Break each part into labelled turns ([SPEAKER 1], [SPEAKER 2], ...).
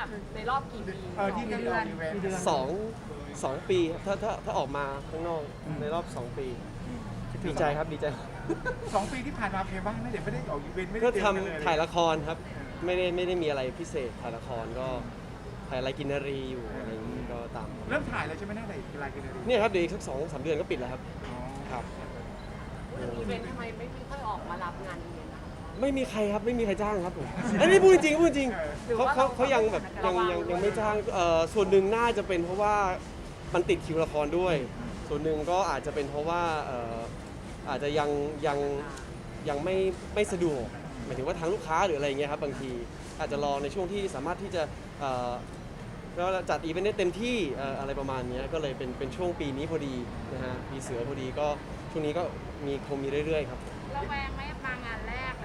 [SPEAKER 1] แบบในรอบกี่ปี
[SPEAKER 2] ที่ได้ออกอีเวนต์
[SPEAKER 3] 2 ปีครับถ้าออกมาข้างนอกในรอบ 2 ปีดีใจครับดีใจ
[SPEAKER 2] 2 ปีที่ผ่านมาเป็นไงบ้างไม่ได้ออกอีเวนต์ไม่ได้
[SPEAKER 3] ก็
[SPEAKER 2] เจอ
[SPEAKER 3] ทำ
[SPEAKER 2] กันเลย
[SPEAKER 3] ถ่ายละครครับไม่ได้มีอะไรพิเศษถ่ายละครก็ถ่ายรายกินนารีอยู่อะไรอย่างนี้ก็ตาม
[SPEAKER 2] เริ่มถ่ายแล้วใช่ไหมน่าจะรายกันเลย
[SPEAKER 3] เนี่ยครับเดี๋ยวอีกสัก2-3 เดือนก็ปิดแล้วครับครับ
[SPEAKER 1] อีเวนต์ทำไมไม่ค่อยออกมารับงานอีเวนต์นะคะ
[SPEAKER 3] ไม่มีใครครับไม่มีใครจ้างครับผมอันนี้พูดจริงเขายังแบบยังไม่จ้างส่วนหนึ่งน่าจะเป็นเพราะว่ามันติดคิวละครด้วย ส่วนหนึ่งก็อาจจะเป็นเพราะว่าอาจจะยังไม่สะดวกหมายถึงว่าทางลูกค้าหรืออะไรอย่างเงี้ยครับบางทีอาจจะรอในช่วงที่สามารถที่จะก็จัดอีเวนต์ได้เต็มที่อะไรประมาณนี้ก็เลยเป็นช่วงปีนี้พอดีนะฮะปีเสือพอดีก็ช่วงนี้ก็คงมีเรื่อยๆครับ
[SPEAKER 1] ระแวงไหมมางานแรกเลย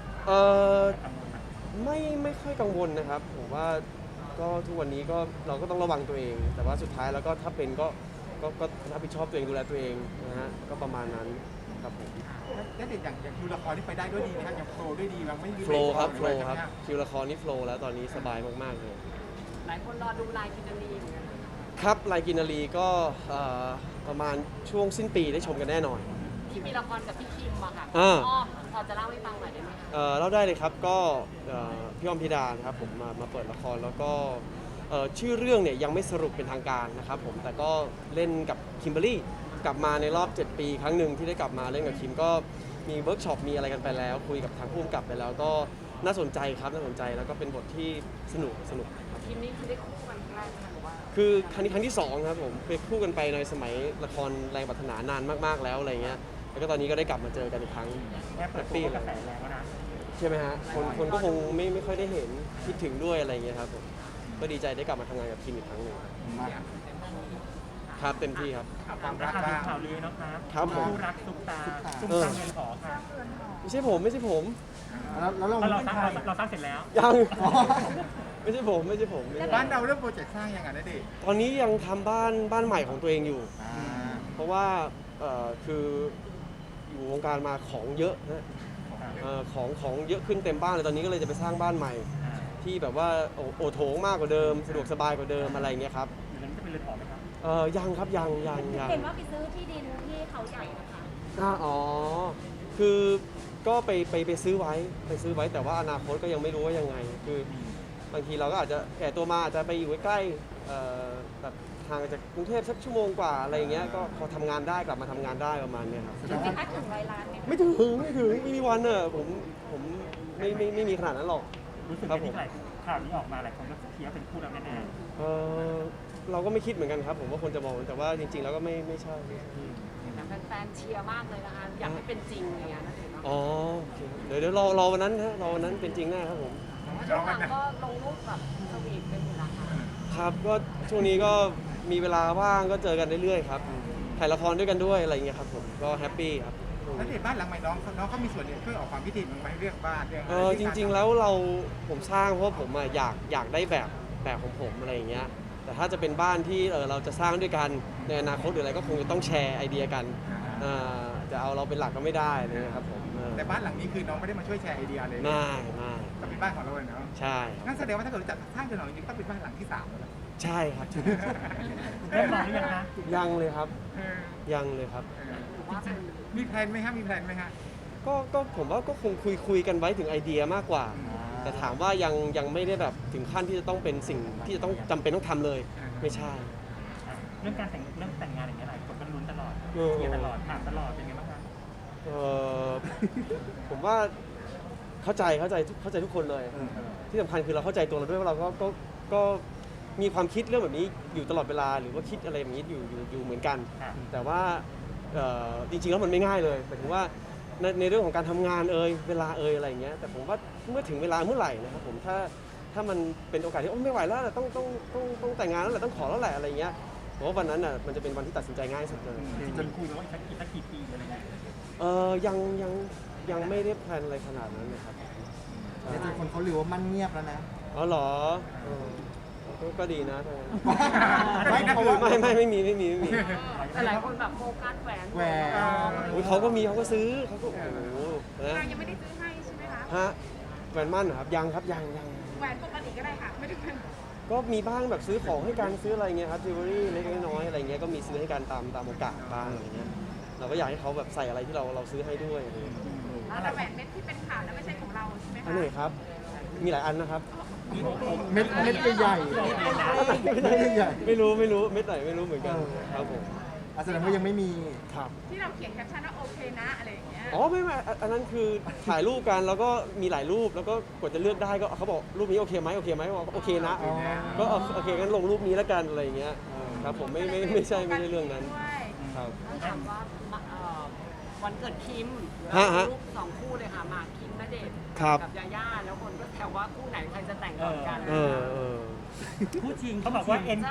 [SPEAKER 3] ไม่ค่อยกังวลนะครับผมว่าก็ทุกวันนี้ก็เราก็ต้องระวังตัวเอง แต่ว่าสุดท้ายแล้วก็ถ้าเป็นก็รับผิดชอบตัวเองดูแลตัวเองนะฮะก็ประมาณนั้นครับผม
[SPEAKER 2] แล้วเด็กอย่างคิวละครที่ไปได้ด้วยดีนะครับยังโฟล์ด้วยดีมั้งไม่มี
[SPEAKER 3] โฟล์ครับโฟ
[SPEAKER 2] เบร
[SPEAKER 3] ล์
[SPEAKER 2] ก
[SPEAKER 3] ครับ
[SPEAKER 2] ใช่ไหม
[SPEAKER 3] คิวละครนี่โฟล์แล้วตอนนี้สบายมากๆเลย
[SPEAKER 1] หลายคนรอดูลายกินนารีเหมือนกัน
[SPEAKER 3] ครับรายกินนารีก็ประมาณช่วงสิ้นปีได้ชมกันแน่นอน
[SPEAKER 1] ที่มีละครกับพี่คิมอะค่ะ
[SPEAKER 3] อ่า
[SPEAKER 1] อ้อมพอจะเล่าให้ฟังหน่อยได้ไหมคะ
[SPEAKER 3] เล่าได้เลยครับก็พี่อ้อมพิดานะครับผมมาเปิดละครแล้วก็ชื่อเรื่องเนี่ยยังไม่สรุปเป็นทางการนะครับผมแต่ก็เล่นกับคิมเบอรรี่กลับมาในรอบ 7 ปีครั้งหนึ่งที่ได้กลับมาเล่นกับคิมก็มีเวิร์กช็อปมีอะไรกันไปแล้ว คุยกับทางผู้กำกับไปแล้วก็น่าสนใจครับน่าสนใจแล้วก็เป็นบทที่สนุกครับ
[SPEAKER 1] คิมนี่คือได้คู่กันครั้งแรกไหมหรือว่า
[SPEAKER 3] คือครั้งที่ 2 ครับผมไปคู่กันไปในสมัยละครแรงปรารถนานานมากๆแล้วอะไรเงี้ยแล้วก็ตอนนี้ก็ได้กลับมาเจอกันอีกครั้ง
[SPEAKER 2] แอปเปิดตัวกระแสแรงแล้วนะ
[SPEAKER 3] ใช่ไหมฮะคนก็คงไม่ค่อยได้เห็นคิดถึงด้วยอะไรเงี้ยครับผมก็ดีใจได้กลับมาทำงานกับคิมอีกครั้งหนึ่งครับเต็มที่ครับ
[SPEAKER 2] ความรัก
[SPEAKER 4] ข่าว
[SPEAKER 2] บ้าง
[SPEAKER 4] ข่าวลือนะคะ
[SPEAKER 3] ครับผม
[SPEAKER 4] คู่รักซุปตาซุปตาเงินหอค่ะ
[SPEAKER 3] ไม่ใช่ผม
[SPEAKER 2] แล้วเรา
[SPEAKER 4] เราสร้างเสร็จแล้ว
[SPEAKER 3] ยังไม่ใช่ผม
[SPEAKER 2] บ้านเราเริ่มโปรเจกต์สร้างยังไงนะเด็ก
[SPEAKER 3] ตอนนี้ยังทำบ้านใหม่ของตัวเองอยู่ เพราะว่าคืออยู่วงการมาของเยอะนะของเยอะขึ้นเต็มบ้านเลยตอนนี้ก็เลยจะไปสร้างบ้านใหม่ ที่แบบว่าโอโถงมากกว่าเดิมสะดวกสบายกว่าเดิมอะไรเงี้ยครับ
[SPEAKER 4] อยู่นั้นจะเป็นเรือนหอไหมครับ
[SPEAKER 3] ยังครับยัง
[SPEAKER 5] เห็นว่าไปซื้อที่ดินที่เขาใหญ่นะคะ
[SPEAKER 3] อ๋อคือก็ไปซื้อไว้แต่ว่าอนาคตก็ยังไม่รู้ว่ายังไงคือบางทีเราก็อาจจะแก่ตัวมาอาจจะไปอยู่ใกล้ๆแบบห่างจากกรุงเทพสักชั่วโมงกว่าอะไรอย่างเงี้ยก็พอทำงานได้กลับมาทำงานได้ประมาณเนี้ยครับ
[SPEAKER 5] ถึงไหมคะถึง100 ล้านไหมคะ
[SPEAKER 3] ไม่ถึงไม่มีวันผมไม่มีขนาดนั้นหรอก
[SPEAKER 4] รู้สึก
[SPEAKER 3] ครั
[SPEAKER 4] ไง
[SPEAKER 3] บผม
[SPEAKER 4] ที่ข่าวนี้ออกมาหลายคนก็เทียบเป็นคู่รักแน่
[SPEAKER 3] เราก็ไม่คิดเหมือนกันครับผมว่าคนจะมองแต่ว่าจริงๆแล้วก็ไม่ใช่
[SPEAKER 1] แต่แฟนๆเชียร์มากเลยนะคะอยากให้เป็นจริงอย่างเงี้ยนะเห็น
[SPEAKER 3] อ๋อโอเคเดี๋ยวรอวันนั้นฮะรอวันนั้นเป็นจริงแน่ครับผม
[SPEAKER 1] ช่วงหลังก็ลงรูปแบบสวีทกันอยู่นะคะ
[SPEAKER 3] ครับก็ช่วงนี้ก็มีเวลาว่างก็เจอกันเรื่อยๆครับถ่ายละครด้วยกันด้วยอะไรอย่างเงี้ยครับผมก็แฮปปี้ครับ
[SPEAKER 2] แล้วเด็กบ้านหลังใหม่น้องเขามีส่วนเนี่ยช่วยออกความคิดเห็นบ้างไหมเรื่องบ้านเรื่องอะไร
[SPEAKER 3] จริงๆแล้วผมสร้างเพราะผมอยากได้แบบของผมอะไรอย่างเงี้ยแต่ถ้าจะเป็นบ้านที่เราจะสร้างด้วยกันในอนาคตหรืออะไรก็คงจะต้องแชร์ไอเดียกันจะเอาเราเป็นหลักก็ไม่ได้เลยนะครับผม
[SPEAKER 2] แต่บ้านหลังนี้คือน้องไม่ได้มาช่วยแชร์ไอเดียเลย
[SPEAKER 3] ไม่
[SPEAKER 2] แต่เป็นบ้านของเราเลยเนาะ
[SPEAKER 3] ใช่
[SPEAKER 2] งั้นแสดงว่าถ้าเกิดเราจัดสร้างจนหน่อยจริงๆต้องเป็นบ้านหลังที่3แล้ว
[SPEAKER 3] ใช่ครับ
[SPEAKER 4] ๆเริ่มมองหรือยังคะ
[SPEAKER 3] ยังเลยครับยังเลยครับ
[SPEAKER 1] หรือว่าเป็น
[SPEAKER 2] มีแพลนไหมฮะมีแพลนไหมฮะ
[SPEAKER 3] ก็ผมว่าก็คงคุยกันไว้ถึงไอเดียมากกว่า แต่ถามว่ายังไม่ได้แบบถึงขั้นที่จะต้องเป็นสิ่งที่จะต้องจำเป็นต้องทำเลย ไม่ใช่
[SPEAKER 4] เรื่องการแต่งงานอย่างเงี้ยหลายคนก็ลุ้นตลอด
[SPEAKER 3] เออ
[SPEAKER 4] เชียร์ตลอดถามตลอดเป็นไงบ้างคะ
[SPEAKER 3] ผมว่าเข้าใจทุกคนเลย ที่สำคัญคือเราเข้าใจตัวเราด้วยว่าเราก็มีความคิดเรื่องแบบนี้อยู่ตลอดเวลาหรือว่าคิดอะไรแบบนี้อยู่เหมือนกัน แต่ว่าจริงๆแล้วมันไม่ง่ายเลยหมายถึงว่าในเรื่องของการทำงานเวลาอะไรอย่างเงี้ยแต่ผมว่าเมื่อถึงเวลาเมื่อไหร่นะครับผมถ้ามันเป็นโอกาสที่ไม่ไหวแล้วต้องแต่งงานแล้วแหละต้องขอแล้วแหละอะไรเงี้ยผมว่าวันนั้นน่ะมันจะเป็นวันที่ตัดสินใจง่ายสุดเลย
[SPEAKER 4] จนคุยกันว่าอีกสักกี่ปีอะไรเงี้ย
[SPEAKER 3] ยังไม่ได้แพลนอะไรขนาดนั้นนะครับ
[SPEAKER 6] แต่จริงคนเขาลือว่ามันเงียบแล้วนะ
[SPEAKER 3] อ๋อเหรอก็ดีนะ
[SPEAKER 6] ไม่เพราะว่า
[SPEAKER 3] ไม่มี
[SPEAKER 1] แต่หลายคนแบบโฟกัสแหวน
[SPEAKER 6] แหวน
[SPEAKER 3] อุ๊ยเขาก็ซื้อเขาก็โอ้โหนะ
[SPEAKER 1] เรายังไม่ได้ซื้อให้ใช่ไหมคะ
[SPEAKER 3] ฮะแหวนมั่นเหรอครับยังครับยัง
[SPEAKER 1] แ
[SPEAKER 5] แหวนปกติก็ได้ค่ะไม่ถึง
[SPEAKER 3] ก็มีบ้างแบบซื้อของให้กันซื้ออะไรเงี้ยครับจิวเวลรี่เล็กๆน้อยๆอะไรเงี้ยก็มีซื้อให้กันตามโอกาสบ้างอะไรเงี้ยเราก็อยากให้เขาแบบใส่อะไรที่เราซื้อให้ด้วยอะไรเงี้ย
[SPEAKER 5] แล้วแหวนเม็ดที่เป็นข่าวแล้วไม่ใช่ของเราใช่ไหม
[SPEAKER 3] อัน
[SPEAKER 5] คะ
[SPEAKER 3] ไหนครับมีหลายอันนะครับ
[SPEAKER 6] เม็ดใหญ่ใหญ่
[SPEAKER 3] ไม่รู้เม็ดไหนไม่รู้เหมือนกันครับผม
[SPEAKER 6] แสดงว่ายังไม่มี
[SPEAKER 3] ครับ
[SPEAKER 5] ที่เราเขียนแคปชั่นว่าโอเคนะอะไรอย่างเงี้ย
[SPEAKER 3] อ๋อไม่อันนั้นคือถ่ายรูปกันแล้วก็มีหลายรูปแล้วก็กว่าจะเลือกได้ก็เขาบอกรูปนี้โอเคไหมบอกโอเคนะ
[SPEAKER 6] อ๋อ
[SPEAKER 3] ก็โอเคงั้นลงรูปนี้แล้วกันอะไรอย่างเงี้ยครับผมไม่ใช่เรื่องนั้นครับ
[SPEAKER 1] ต้องถามว่าวันเกิดคิม
[SPEAKER 3] ฮะ
[SPEAKER 1] รูปสองคู่เลยค่ะหมากคิมณเดชน์
[SPEAKER 3] ครับ
[SPEAKER 1] กับยาย่าแล้วคนก็แซวว่าคู่ไหนใครจะแต่งก่อนกัน
[SPEAKER 3] เออ
[SPEAKER 4] คู่จริงเขาบอกว่า N
[SPEAKER 1] ใช่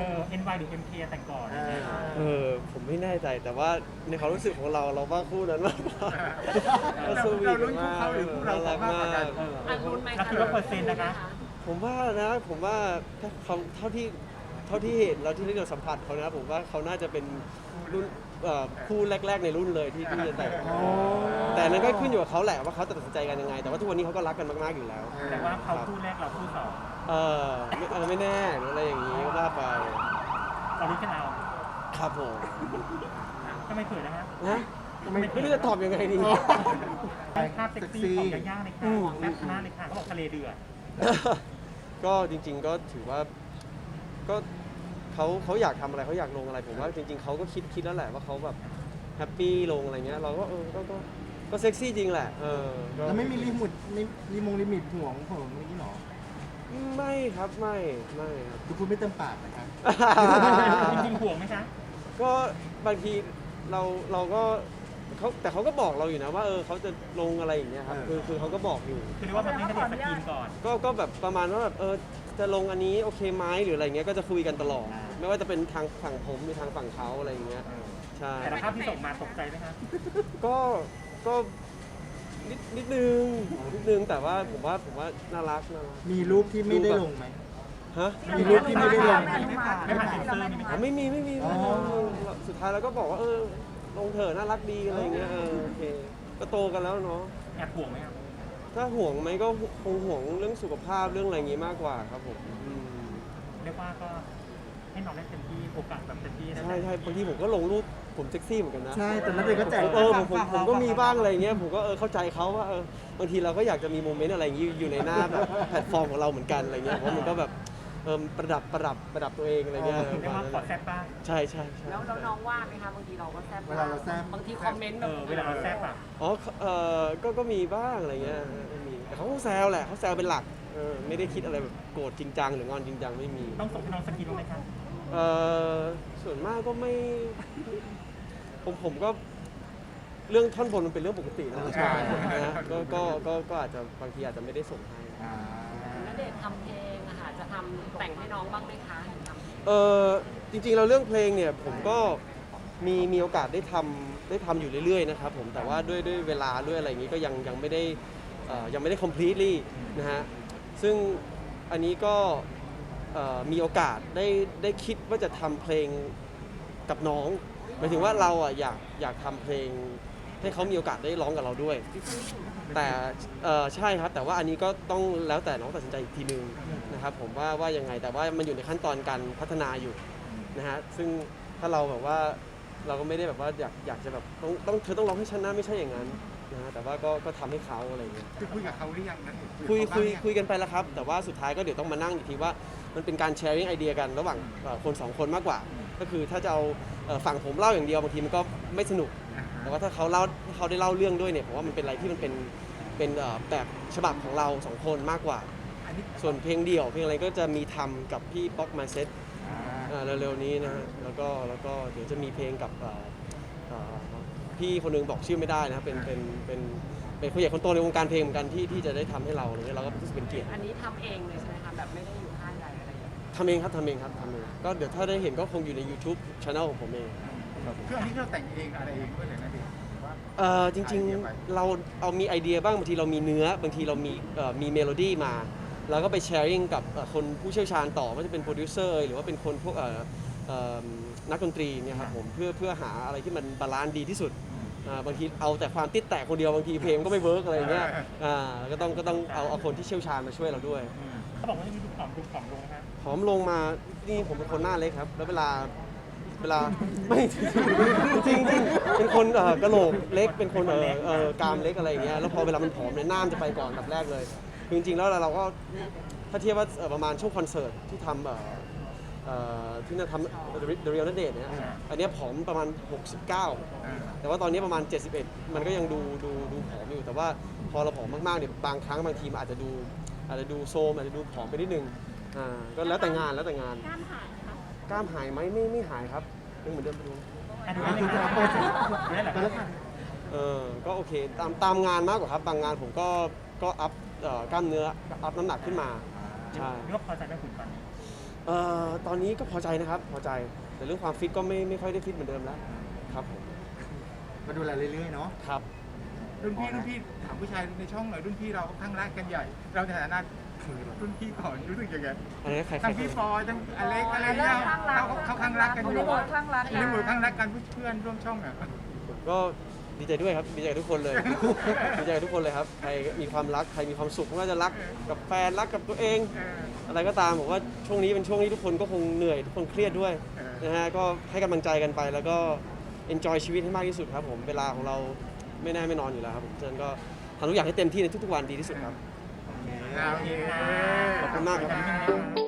[SPEAKER 4] NY หรือ MK แต่งก่อนอะไรเงี้ย
[SPEAKER 3] ผมไม่แน่ใจแต่ว่าในความรู้สึกของเราว่าคู่นั้นมากกว่าก็สวีท
[SPEAKER 2] เราลุ้นคู่
[SPEAKER 3] มาก
[SPEAKER 2] เขาหรือคู่เรา
[SPEAKER 3] น่ารัก
[SPEAKER 2] มากกว่ากัน
[SPEAKER 1] อันรุนไหม
[SPEAKER 4] เรา
[SPEAKER 1] คะ
[SPEAKER 4] คิดว่าเปอร์เซ็นต์นะคะ
[SPEAKER 3] ผมว่าถ้าเขาเท่าที่เห็นแล้วที่เราสัมผัสเขานะผมว่าเขาน่าจะเป็นรุ่นคู่แรกๆในรุ่นเลยที่จะแต่งแต่นั้นก็ขึ้นอยู่กับเขาแหละว่าเขาจะตัดสินใจกันยังไง แต่ว่าทุกวันนี้เขาก็รักกันมากๆอยู่แล้ว
[SPEAKER 4] แต่ว่าเขาคู่แรกเราคู่สอง
[SPEAKER 3] ไม่แน่หรืออะไรอย่างนี้ก็ว่าไป
[SPEAKER 4] เรารู้กันเอา
[SPEAKER 3] ครับผม
[SPEAKER 4] ทำไมเขินนะฮะ
[SPEAKER 3] นะไม่รู้จะตอบยังไงดี
[SPEAKER 4] เป็นภาพเซ็กซี่ของย่าๆเลยค่ะแซ่บมากเลยค่ะเขาบอกทะเลเดือด
[SPEAKER 3] ก็จริงๆก็ถือว่าก็เขาอยากทำอะไรเขาอยากลงอะไรผมว่าจริงๆเขาก็คิดแล้วแหละว่าเขาแบบแฮปปี้ลงอะไรเงี้ยเราก็ก็เซ็กซี่จริงแหละก็
[SPEAKER 6] แล้วไม่มีลิมิตห่วงผมนี่หรอ
[SPEAKER 3] ไม่ครับไม่ครับ
[SPEAKER 6] ดูคุณไม่เต็มปากนะครับ
[SPEAKER 4] จริงๆห่วงไหมคะ
[SPEAKER 3] ก็บางทีเราก็แต่เขาก็บอกเราอยู่นะว่าเขาจะลงอะไรอย่างเงี้ยครับคือเขาก็บอกอยู่
[SPEAKER 4] คือเรียกว่ามันไม่ได้สกรีนก่อน
[SPEAKER 3] ก็แบบประมาณว่าแบบจะลงอันนี้โอเคไหมหรืออะไรเงี้ยก็จะคุยกันตลอด ไม่ว่าจะเป็นทางฝั่งผมหรือทางฝั่งเขาอะไรอย่างเงี้ยใช่
[SPEAKER 4] แต่ละภาพที่ส่งมาตกใจไหมคะ
[SPEAKER 3] ก็นิดนึงแต่ว่าผมว่าน่ารัก
[SPEAKER 6] มีรูปที่ไม่ได้ลงไหม
[SPEAKER 3] ฮะ
[SPEAKER 6] มีรูปที่ไม่ได้ลง
[SPEAKER 4] ไม่ผ่านเซ็นเซอร์นี่ไหม
[SPEAKER 3] อ๋
[SPEAKER 4] คะ
[SPEAKER 3] อไม่มี
[SPEAKER 6] อ๋อ
[SPEAKER 3] สุดท้ายเราก็บอกว่าลงเถอะน่ารักดีอะไรอย่างเงี้ยโอเคก็โตกันแล้วเนาะ
[SPEAKER 4] แอบห่วงไหมครับ
[SPEAKER 3] ถ้าห่วงไหมก็คงห่วงเรื่องสุขภาพเรื่องอะไรอย่างงี้มากกว่าครับผม
[SPEAKER 4] เรียกว่าก็ให้น้องได้เต็มที่โอกาสแบบเต็มที่นะ
[SPEAKER 3] ใช่บางทีผมก็ลงรูปผมเซ็กซี่เหมือนกันนะ
[SPEAKER 6] ใช่แต่นักเรียนก็แจก
[SPEAKER 3] ผมก็มีบ้างอะไรอย่างเงี้ยผมก็เข้าใจเขาว่าบางทีเราก็อยากจะมีโมเมนต์อะไรอย่างงี้อยู่ในหน้าแบบแพลตฟอร์มของเราเหมือนกันอะไรเงี้ยเพราะมันก็แบบประดับตัวเองอะไรเงี้ย
[SPEAKER 4] เรียกว่าขอแซ่บบ้าง
[SPEAKER 3] ใช่
[SPEAKER 1] แล้วน้องว่าไหมคะบางทีเราก็แซบ
[SPEAKER 6] เวลาเราแซ่บ
[SPEAKER 1] บางทีคอมเมนต์แบบ
[SPEAKER 4] เวลาเราแซ่บอ่ะ
[SPEAKER 3] อ๋อก็มีบ้างอะไรเงี้ยมีแต่เขาก็แซวแหละเขาแซวเป็นหลักไม่ได้คิดอะไรแบบโกรธจริงจังหรืองอนจริงจังไม่มี
[SPEAKER 4] ต้องส่งให้น้องสกรีนบ้างไหมคะ
[SPEAKER 3] ส่วนมากก็ไม่ผมก็เรื่องท่อนบนมันเป็นเรื่องปกตินะ
[SPEAKER 6] ใช่
[SPEAKER 3] นะฮะก็อาจจะบางทีอาจจะไม่ได้ส่งให้
[SPEAKER 1] ณเดชน์ทำเพลงอะค่ะจะทำแต่งให้น้องบ้างไหมคะเห็นทำ
[SPEAKER 3] จริงๆเราเรื่องเพลงเนี่ยผมก็มีโอกาสได้ทำอยู่เรื่อยๆนะครับผมแต่ว่าด้วยเวลาด้วยอะไรอย่างนี้ก็ยังไม่ได้ completely นะฮะซึ่งอันนี้ก็มีโอกาสได้คิดว่าจะทำเพลงกับน้องหมายถึงว่าเราอ่ะอยากทำเพลงให้เขามีโอกาสได้ร้องกับเราด้วย แต่ใช่ครับแต่ว่าอันนี้ก็ต้องแล้วแต่น้องตัดสินใจอีกทีนึงนะครับผมว่ายังไงแต่ว่ามันอยู่ในขั้นตอนการพัฒนาอยู่นะฮะซึ่งถ้าเราแบบว่าเราก็ไม่ได้แบบว่าอยากจะแบบเธอต้องร้องให้ฉันนะไม่ใช่อย่างนั้นนะฮะแต่ว่าก็ทำให้เขาอะไรอย่างเงี้ย
[SPEAKER 2] คือคุยกับเขาหรือยังนะ
[SPEAKER 3] คุยกันไปแล้วครับแต่ว่าสุดท้ายก็เดี๋ยวต้องมานั่งอีกทีว่ามันเป็นการแชร์ไอเดียกันระหว่างคนสองคนมากกว่า ก็คือถ้าจะเอาฝั่งผมเล่าอย่างเดียวบางทีมันก็ไม่สนุกแต่ว่าถ้าเขาได้เล่าเรื่องด้วยเนี่ยผมว่ามันเป็นอะไรที่มันเป็นแบบฉบับของเราสองคนมากกว่า ส่วนเพลงเดี่ยวเพลงอะไรก็จะมีทำกับพี่ป๊อกมาเซ็ตเร็วๆนี้นะฮะแล้วก็เดี๋ยวจะมีเพลงกับพี่คนหนึงบอกชื่อไม่ได้นะครับเป็นคนใหญ่คนโตในวงการเพลงเหมือนกันที่จะได้ทำให้เราอะไรเงี้ยเราก็รู้สึกเป็นเกียรติ
[SPEAKER 1] อันนี้ทำเองเลยใช่ไหมคะแบบไม่ได้อยู่ค่ายใดอะไรอย่างเงี้ย
[SPEAKER 3] ทำเองครับก็เดี๋ยวถ้าได้เห็นก็คงอยู่ใน YouTube Channel ของผมเองครับผม
[SPEAKER 2] คืออันนี้เราแต่งเองอะไรเองด้วยเลยนะดิว่า
[SPEAKER 3] จริงๆเราเอามีไอเดียบ้างบางทีเรามีเนื้อบางทีเรามีเมโลดี้มาเราก็ไปแชร์ริ่งกับคนผู้เชี่ยวชาญต่อว่าจะเป็นโปรดิวเซอร์หรือว่าเป็นคนพวกนักดนตรีเนี่ยครับผมเพื่อหาอะไรที่มันบาลานซ์ดีที่สุดบางทีเอาแต่ความติดแตกคนเดียวบางทีเพลงก็ไม่เวิร์กอะไรอย่างเงี้ยก็ต้องเอาคนที่เชี่ยวชาญมาช่วยเราด้วย
[SPEAKER 4] เขาบอกว่าจะมีดูผอมลงนะครับ
[SPEAKER 3] ผอมลงมานี่ผมเป็นคนหน้าเล็กครับแล้วเวลาไม่จริงเป็นคนกระโหลกเล็กเป็นคนกรามเล็กอะไรอย่างเงี้ยแล้วพอเวลามันผอมเนี่ยหน้ามันจะไปก่อนอันดับแรกเลยคือจริงๆแล้วเราก็ถ้าเทียบว่าประมาณช่วงคอนเสิร์ตที่ทำที่นั่นทำ The Real ณเดชน์เนี่ยอันเนี้ยผอมประมาณ 69 แต่ว่าตอนนี้ประมาณ 71 มันก็ยังดูผอมอยู่แต่ว่าพอเราผอมมากๆเนี่ยบางครั้งบางทีมันอาจจะดูโซมอาจจะดูผอมไปนิดนึงก็แล้วแต่งานกล้ามหายไหมคะกล้ามหายไหมไม่หายครับยังเหมือนเดิมไปดู
[SPEAKER 4] ดูได้เลยค่ะ
[SPEAKER 3] ก็โอเคตามงานมากกว่าครับบางงานผมก็อัพกล้ามเนื้ออัพน้ำหนักขึ้นมาใช่
[SPEAKER 4] นี่ก็พอใจไหมคุณตอนนี้
[SPEAKER 3] ตอนนี้ก็พอใจนะครับพอใจแต่เรื่องความฟิตก็ไม่ค่อยได้ฟิตเหมือนเดิมแล้วครับผม
[SPEAKER 2] มาดูแลเรื่อยๆเนาะ
[SPEAKER 3] ครับ
[SPEAKER 2] รุ่นพี่ถามผู้ชายในช่องหน่อยรุ่นพี่เราค่อนข้างรักกันใหญ่ เราในฐานะรุ่นพี่ก่อนรู้สึกยังไง
[SPEAKER 3] อันนี้ใคร
[SPEAKER 2] ทั้งพี่ฟอยทั้งอเล็กอะไรเงี้ยเขาข้างรักกันอยู่ในบทข้างรักกันเพื่อนร่วมช่องอ่ะ
[SPEAKER 3] ก็ดีใจด้วยครับดีใจกับทุกคนเลย ดีใจกับทุกคนเลยครับใครมีความรักใครมีความสุขไม่ว่าจะรักกับแฟนรักกับตัวเอง อะไรก็ตามผมว่าช่วงนี้เป็นช่วงที่ทุกคนก็คงเหนื่อยทุกคนเครียดด้วยนะฮะก็ให้กำลังใจกันไปแล้วก็ enjoy ชีวิตให้มากที่สุดครับผมเวลาของเราไม่แน่ไม่นอนอยู่แล้วครับผมฉะนั้นก็ทำทุกอย่างให้เต็มที่ในทุกๆวันดีที่สุดครับ
[SPEAKER 2] โอเค
[SPEAKER 3] ขอบคุณมากครับ